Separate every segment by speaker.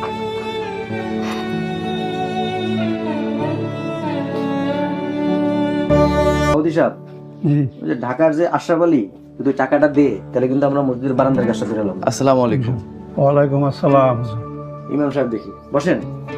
Speaker 1: Saudi সাহেব, ওই যে ঢাকার যে আশরাফ আলী, যদি ওই টাকাটা দে তাহলে কিন্তু আমরা মসজিদের বারান্দার কাজটা করে এলাম।
Speaker 2: আসসালামু আলাইকুম।
Speaker 3: ওয়ালাইকুম আসসালাম।
Speaker 1: ইমাম সাহেব দেখি বসেন।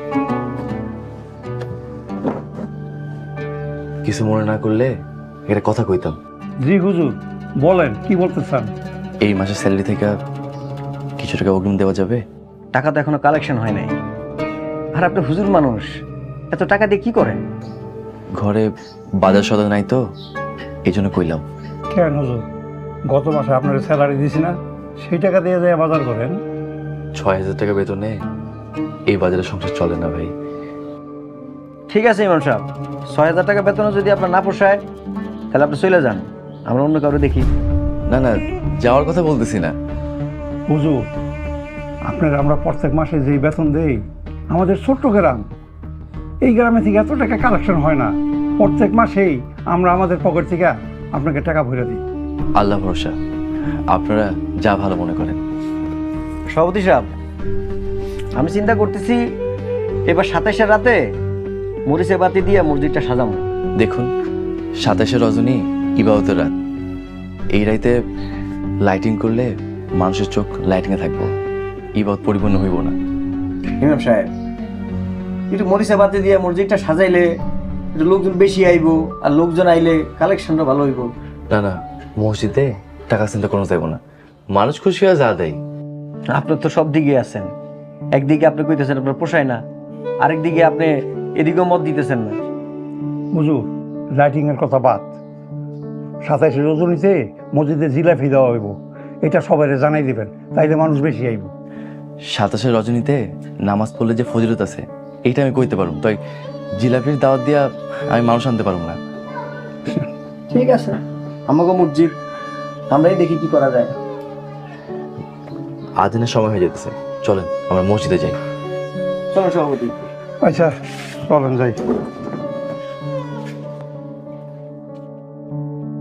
Speaker 2: কিছু মনে না করলে একটা কথা কইতাম।
Speaker 3: জি হুজুর, বলেন কি বলতে চান?
Speaker 2: এই মাসের স্যালারি থেকে কিছু টাকা অগ্রিম দেওয়া যাবে?
Speaker 1: টাকা তো এখনো কালেকশন হয় নাই, আর আপনি হুজুর মানুষ, এত টাকা দিয়ে কি করেন?
Speaker 2: ঘরে বাজার সদা নাই তো, এই জন্য কইলাম।
Speaker 3: কেন হুজুর, গত মাসে আপনার স্যালারি দিছি না, সেই টাকা দিয়ে যায় বাজার করেন?
Speaker 2: ৬,০০০ টাকা বেতনে এই বাজারে সংসার চলে না ভাই।
Speaker 1: ঠিক আছে ইমাম সাহেব, ৬,০০০ টাকা বেতনও যদি আপনার না পোষায় তাহলে আপনি চলে যান, আমরা অন্য কারো দেখি।
Speaker 2: না না, যাওয়ার কথা বলতেছি না।
Speaker 3: হুজুর, আপনার আমরা প্রত্যেক মাসে যেই বেতন দেই, আমাদের ছোট্ট গ্রাম, এই গ্রামে থেকে এত টাকা কালেকশন হয় না। প্রত্যেক মাসেই আমরা আমাদের পকেট থেকে আপনাকে টাকা ভরে দিই।
Speaker 2: আল্লাহ ভরসা, আপনারা যা ভালো মনে করেন।
Speaker 1: সভাপতি সাহেব, আমি চিন্তা করতেছি এবার ২৭-এর রাতে মরিচে বাতি দিয়ে মসজিদটা সাজাবো।
Speaker 2: দেখুন, ২৭শে রজনী ইবাদতের রাত, এই রাইতে লাইটিং করলে মানুষের চোখ লাইটিংয়ে থাকবো, ইবাদত পরিপূর্ণ হইব না।
Speaker 1: ইমাম সাহেব, একটু মরিচে বাতি দিয়ে মসজিদটা সাজাইলে একটু লোকজন বেশি আইব, আর লোকজন আইলে কালেকশনটা ভালো হইব।
Speaker 2: না না, মসজিদে টাকা চিন্তা কোনো যাইব না, মানুষ খুশি হয়ে যা দেয়।
Speaker 1: আপনার তো সব দিকে আছেন, একদিকে আপনি কইতেছেন আপনার পোষায় না, আরেকদিকে আপনি এদিকেও মত দিতেছেন না।
Speaker 3: হুজুর, লাইটিংয়ের কথা বাদ, ২৭শে রজনীতে মসজিদে জিলাপি দেওয়া হইব, এটা সবাই জানাই দিবেন, তাইলে মানুষ বেশি আইব।
Speaker 2: ২৭শে রজনীতে নামাজ পড়লে যে ফজিলত আছে এইটা আমি কইতে পারবো, তাই জিলাপির দাওয়াত দিয়া আমি মানুষ আনতে পারবো না।
Speaker 1: ঠিক আছে, আমাকে মসজিদ, আমরাই দেখি কি করা যায়।
Speaker 2: আদিনের সময় হয়ে যেতেছে, চলেন আমরা মসজিদে যাই।
Speaker 1: চলো সভাপতি।
Speaker 3: আচ্ছা, চলেন যাই।